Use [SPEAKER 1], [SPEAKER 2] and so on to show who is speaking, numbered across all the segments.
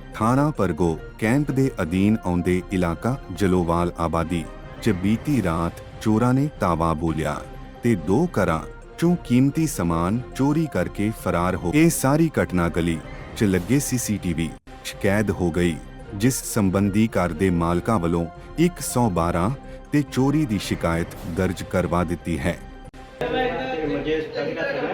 [SPEAKER 1] ਥਾਣਾ ਪਰਗੋ ਕੈਂਪ ਦੇ ਅਧੀਨ ਆਉਂਦੇ ਇਲਾਕਾ ਜਲੋਵਾਲ ਆਬਾਦੀ 'ਚ ਬੀਤੀ ਰਾਤ ਚੋਰਾਂ ਨੇ ਤਾਵਾ ਬੋਲਿਆ ਤੇ 2 ਘਰਾਂ 'ਚੋਂ ਕੀਮਤੀ ਸਮਾਨ ਚੋਰੀ ਕਰਕੇ ਫਰਾਰ ਹੋ ਗਏ। ਇਹ ਸਾਰੀ ਘਟਨਾ ਗਲੀ 'ਚ ਲੱਗੇ ਸੀਸੀਟੀਵੀ 'ਚ ਕੈਦ ਹੋ ਗਈ, ਜਿਸ ਸੰਬੰਧੀ ਘਰ ਦੇ ਮਾਲਕਾਂ ਵੱਲੋਂ 112 ਤੇ ਚੋਰੀ ਦੀ ਸ਼ਿਕਾਇਤ ਦਰਜ ਕਰਵਾ ਦਿੱਤੀ ਹੈ।
[SPEAKER 2] मुझे स्टडी का था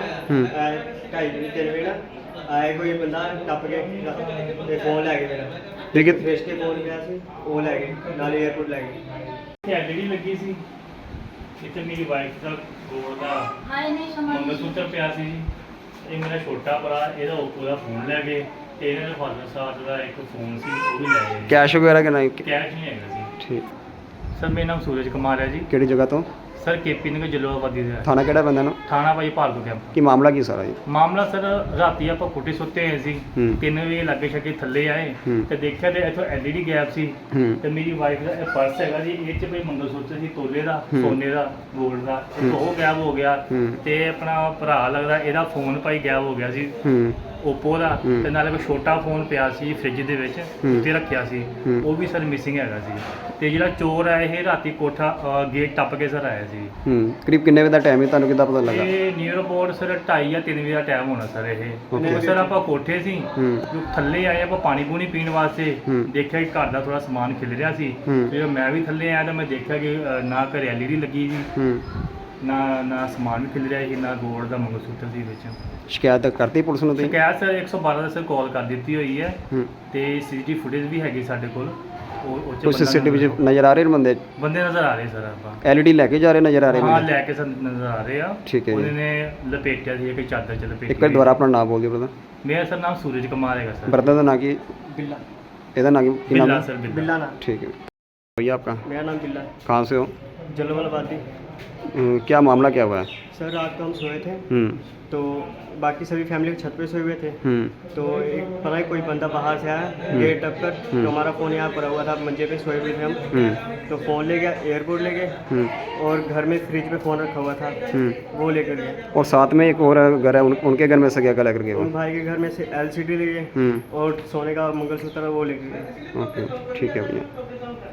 [SPEAKER 2] ढाई दिन 3 बजे ना आए कोई बंदा टप के ते फोन लै गए मेरा
[SPEAKER 3] ठीक है
[SPEAKER 2] फेस के फोन गया सी वो लै गए नाले एयरपोर्ट लै गए।
[SPEAKER 4] एलईडी लगी सी इतने मेरी वाइफ का गोल्ड का मंगलसूत्र पिया सी जी। ये मेरा छोटा भरा ਇਹਦਾ ओप्पो ਦਾ ਫੋਨ ਲੈ ਗਏ ਤੇ ਇਹਨਾਂ ਦੇ ਫਾਦਰ ਸਾਹਿਬ ਦਾ ਇੱਕ ਫੋਨ ਸੀ ਉਹ ਵੀ ਲੈ ਗਏ।
[SPEAKER 3] ਕੈਸ਼ ਵਗੈਰਾ ਕਿੰਨਾ
[SPEAKER 4] ਕੈਸ਼ ਨਹੀਂ ਹੈਗਾ ਸੀ।
[SPEAKER 3] ਠੀਕ।
[SPEAKER 4] ਸਰ ਮੇਰਾ ਨਾਮ ਸੂਰਜ ਕੁਮਾਰ ਹੈ ਜੀ।
[SPEAKER 3] ਕਿਹੜੀ ਜਗ੍ਹਾ ਤੋਂ?
[SPEAKER 4] ਸਰ ਕੇਪੀ ਨਗਰ ਜਲੋਆਬਾਦੀ ਦਾ
[SPEAKER 3] ਥਾਣਾ ਕਿਹੜਾ ਬੰਦਾ ਨੂੰ?
[SPEAKER 4] ਥਾਣਾ ਭਾਈ ਭਾਰਗੋ ਕੈਂਪ।
[SPEAKER 3] ਕੀ ਮਾਮਲਾ ਕੀ ਸਾਰਾ ਜੀ?
[SPEAKER 4] ਮਾਮਲਾ ਸਰ ਰਾਤੀ ਆਪਾਂ ਕੋਠੇ ਸੁੱਤੇ ਹੋਏ ਸੀ
[SPEAKER 3] ਹੂੰ।
[SPEAKER 4] 3 ਵਜੇ ਲੱਗੇ ਛੱਗੇ ਥੱਲੇ ਆਏ
[SPEAKER 3] ਹੂੰ।
[SPEAKER 4] ਤੇ ਦੇਖਿਆ ਤੇ ਇੱਥੋਂ ਐਲਈਡੀ ਗੈਪ ਸੀ
[SPEAKER 3] ਹੂੰ
[SPEAKER 4] ਤੇ ਮੇਰੀ ਵਾਈਫ ਦਾ ਇਹ ਪਰਸ ਹੈਗਾ ਜੀ, ਇਹ 'ਚ ਕੋਈ ਮੰਗਲਸੂਤਰ ਸੀ ਤੋਲੇ ਦਾ,
[SPEAKER 3] ਹੂੰ।
[SPEAKER 4] ਸੋਨੇ ਦਾ, 골ਡ ਦਾ,
[SPEAKER 3] ਹੂੰ।
[SPEAKER 4] ਉਹ ਗਾਇਬ ਹੋ ਗਿਆ।
[SPEAKER 3] ਹੂੰ।
[SPEAKER 4] ਤੇ ਆਪਣਾ ਭਰਾ ਲੱਗਦਾ ਇਹਦਾ ਫੋਨ ਭਾਈ ਗਾਇਬ ਹੋ ਗਿਆ ਸੀ
[SPEAKER 3] ਹੂੰ
[SPEAKER 4] ਓਪੋ ਦਾ
[SPEAKER 3] ਹੂੰ।
[SPEAKER 4] ਤੇ ਨਾਲੇ ਕੋਈ ਛੋਟਾ ਫੋਨ ਪਿਆ ਸੀ ਫ੍ਰਿਜ ਦੇ ਵਿੱਚ
[SPEAKER 3] ਹੂੰ।
[SPEAKER 4] ਉੱਤੇ ਰੱਖਿਆ ਸੀ,
[SPEAKER 3] ਹੂੰ।
[SPEAKER 4] ਉਹ ਵੀ ਸਰ ਮਿਸਿੰਗ ਹੈਗਾ ਸੀ। ਤੇ ਜਿਹੜਾ ਚੋਰ ਹੈ ਇਹ ਰਾਤੀ ਕੋਠਾ ਗੇਟ ਟੱਪ ਕੇ ਸਰ ਆਇਆ ਸੀ।
[SPEAKER 3] ਹੂੰ ਕਰੀਬ ਕਿੰਨੇ ਵਜੇ ਦਾ ਟਾਈਮ ਹੈ, ਤੁਹਾਨੂੰ ਕਿੱਦਾਂ ਪਤਾ ਲੱਗਾ?
[SPEAKER 4] ਇਹ ਨੀਅਰ ਅਬਾਊਟ ਸਰ 2:30 ਜਾਂ 3 ਵਜੇ ਦਾ ਟਾਈਮ ਹੋਣਾ ਸਰ ਇਹ।
[SPEAKER 3] Okay.
[SPEAKER 4] ਤੇ ਸਰ ਆਪਾਂ ਕੋਠੇ ਸੀ
[SPEAKER 3] ਹੂੰ
[SPEAKER 4] ਜੋ ਥੱਲੇ ਆਏ ਆਪਾਂ ਪਾਣੀ ਪੂਣੀ ਪੀਣ ਵਾਸਤੇ
[SPEAKER 3] ਹੂੰ।
[SPEAKER 4] ਦੇਖਿਆ ਕਿ ਘਰ ਦਾ ਥੋੜਾ ਸਮਾਨ ਖਿਲ ਰਿਹਾ ਸੀ।
[SPEAKER 3] ਹੂੰ।
[SPEAKER 4] ਤੇ ਮੈਂ ਵੀ ਥੱਲੇ ਆਇਆ ਤਾਂ ਮੈਂ ਦੇਖਿਆ ਕਿ ਨਾ ਘਰੇ ਐਲਈਡੀ ਲੱਗੀ ਸੀ,
[SPEAKER 3] ਹੂੰ
[SPEAKER 4] ਨਾ ਸਮਾਨ ਵੀ ਖਿਲ ਰਿਹਾ ਸੀ, ਨਾ ਗੋਲਡ ਦਾ ਮੰਗਲਸੂਤਰ ਸੀ ਵਿੱਚ।
[SPEAKER 3] ਸ਼ਿਕਾਇਤ ਕਰਤੀ ਪੁਲਿਸ ਨੂੰ ਤੁਸੀਂ?
[SPEAKER 4] ਸ਼ਿਕਾਇਤ ਸਰ 112 ਦਾ ਸਰ ਕਾਲ ਕਰ ਦਿੱਤੀ ਹੋਈ ਹੈ
[SPEAKER 3] ਹੂੰ
[SPEAKER 4] ਤੇ ਸੀਸੀਟੀਵੀ ਫੁਟੇਜ ਵੀ ਹੈਗੀ ਸਾਡੇ ਕੋਲ। ਉਹ 'ਚ
[SPEAKER 3] ਕੋਈ
[SPEAKER 4] ਬੰਦਾ
[SPEAKER 3] ਸੀਸੀਟੀਵੀ ਵਿੱਚ ਨਜ਼ਰ ਆ ਰਹੇ ਨੇ ਬੰਦੇ?
[SPEAKER 4] ਬੰਦੇ ਨਜ਼ਰ ਆ ਰਹੇ ਸਰ ਆਪਾਂ।
[SPEAKER 3] ਐਲਈਡੀ ਲੈ ਕੇ ਜਾ ਰਹੇ ਨਜ਼ਰ ਆ ਰਹੇ
[SPEAKER 4] ਹਾਂ
[SPEAKER 3] ਨੇ?
[SPEAKER 4] ਲੈ ਕੇ ਸਰ ਨਜ਼ਰ ਆ ਰਹੇ ਆ।
[SPEAKER 3] ਠੀਕ ਹੈ ਜੀ।
[SPEAKER 4] ਉਹਨੇ ਨੇ ਲਪੇਟਿਆ ਸੀ ਕਿ ਚਾਦਰ ਚ ਲਪੇਟੀ।
[SPEAKER 3] ਇੱਕ ਵਾਰ ਦੁਬਾਰਾ ਆਪਣਾ ਨਾਮ ਬੋਲ ਦਿਓ ਬਰਦਾ।
[SPEAKER 4] ਮੇਰਾ ਸਰ ਨਾਮ ਸੂਰਜ ਕੁਮਾਰ ਹੈਗਾ ਸਰ।
[SPEAKER 3] ਬਰਦਾ ਦਾ ਨਾਂ ਕੀ?
[SPEAKER 2] बिल्ला
[SPEAKER 3] ਇਹਦਾ ਨਾਂ ਕੀ ਨਾਮ
[SPEAKER 4] ਬਿੱਲਾ
[SPEAKER 3] है?
[SPEAKER 4] सर बिल्ला।
[SPEAKER 2] बिल्ला ना
[SPEAKER 3] ठीक है भैया आपका
[SPEAKER 2] मेरा नाम बिल्ला है।
[SPEAKER 3] कहाँ से हो?
[SPEAKER 2] जलोवाल आबादी।
[SPEAKER 3] क्या मामला क्या हुआ है?
[SPEAKER 2] सर रात को हम सोए थे
[SPEAKER 3] हम्म
[SPEAKER 2] तो बाकी सभी फैमिली के छत पे सोए हुए थे तो एक पता है कोई बंदा बाहर से आया गेट टप कर तो हमारा फ़ोन यहाँ पड़ा हुआ था, मंजे पे सोए हुए थे हम। तो फ़ोन ले गया, एयरपोर्ट ले गए और घर में फ्रिज पे फ़ोन रखा हुआ था वो लेकर गए।
[SPEAKER 3] और साथ में एक और घर है उनके घर में से क्या लेकर गए वो?
[SPEAKER 2] उन भाई के घर में से एलसीडी ले गए और सोने का मंगलसूत्र वो लेकर गए।
[SPEAKER 3] ओके ठीक है भैया।